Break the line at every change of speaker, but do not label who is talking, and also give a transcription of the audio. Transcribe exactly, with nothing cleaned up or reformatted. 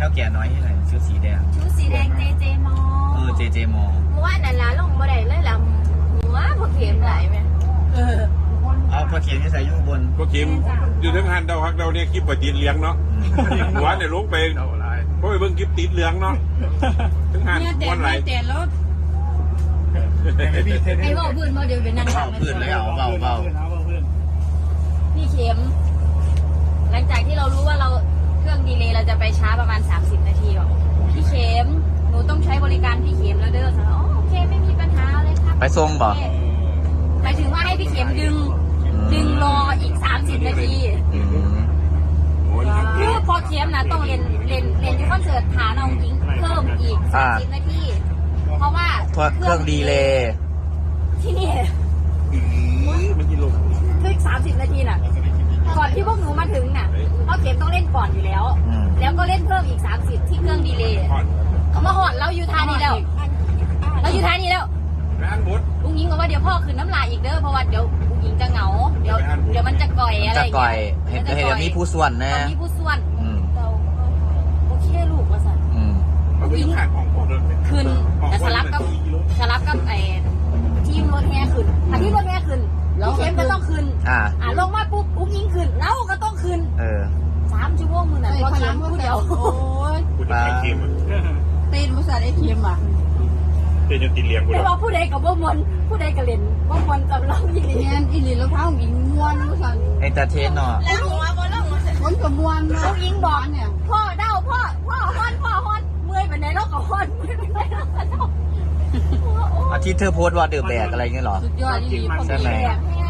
ท่าแก่น้อยที่ไหนชุดสีแดง
ชุดสีแดงเจเจมอ
เออเจเจมอ
เมื่อวานนั่นละลงบ่ได้เลยล่ะหัวพอเข็มไหลไหมเออ
เอาพอเขียนที่ใส่ยุ่งบน
พอเข็มอยู่ทั้งหันเดาฮักเดาเนี่ยคลิปปฏิเลี้ยงเนาะหัวเนี่ยลงไปเพราะไปเบิ่งคลิปติดเลี้ยงเนาะทั้งหันวันไหล
แต่รถไอ้เบาพื้นมาเดี๋ยวเดี๋ยวนั่ง
เบาพื้นเลยเอาเบาเบา
พี่เข็มหลังจากที่เรารู้ว่าเราเครื่องดีเลย์เราจะไปช้าประมาณสามสิบนาทีหรอกพี่เข็มหนูต้องใช้บริการพี่เข็มแล้วเด้ออ๋อโอเคไม่มีปัญหาเลยครับ
ไปส่งบ่
หมายถึงว่าให้พี่เข็มดึงดึงรออีกสามสิบนาทีคือพอเข็มนะต้องเรียนเรียนเรียนที่คอนเสิร์ตฐานองหญิงเพิ่มอีกสามสิบนาทีเพราะว่า
เครื่องดีเลย์
ที่นี่
มันกินลง
คือสามสิบนาทีน่ะก่อนที่พวกหนูมาถึงน่ะเพราะเข็มต้องเล่นก่อนอยู่แล้วแล้วก็เล่นเพิ่มอีกสามสิบที่เครื่องดีเลย์เขามาหอดเราอยู่ทานี้แล้วเราอยู่ทานี้แล้วลุงยิงบอกว่าเดี๋ยวพ่อคืนน้ำลายอีกเด้อเพราะว่าเดี๋ยวลุงยิงจะเหงาเดี๋ยวเดี๋ยวมันจะก่อยอะไร
จะก่อยเห็นเห็นมีผู้ส่วนนะ
มีผู้ส่วนโอเคลูกว่าสันลุงยิงคืนแต่สลับกับสลับกับไอ้ทีมรถแห่ขึ้นถ้าทีมรถแห่ขึ้นพี่เข้มก็ต้องคืนอ่าอ่าลงมาปุ๊บลุงยิงขึ้นแล้วก็ต้องคืนเออสามชั่วโมงมือน่ะพอเข้มผู้เดียวโอ้ย
คุณไอ้เค็ม
เต้นภาษาไอ้เค็มอ่ะ
เต้นจนตีเลี้ยงกู
ไม่ว่าผู้ใดกับบ่มวนผู้ใดกับเล่นบ่มวนกับเราอีหลีเนี่ยอีหลีแล้วเท้าหญิงม้วนภาษา
เอนเตอร์เทนเนาะ
แล้วหัวบ่แล้วคนกับม้วนลูกยิงบอกเนี่ยพ่อเด้าพ่อพ่อฮอนพ่อฮอนเมื่อยไปไหนเราก็ฮอนเมื่อยไปไหนเราก็ฮอน
อาทิตย์เธอโพสต์ว่าเดือบแบกอะไรเงี้ยหรอ
สุดยอดอีหลีใช่ไหม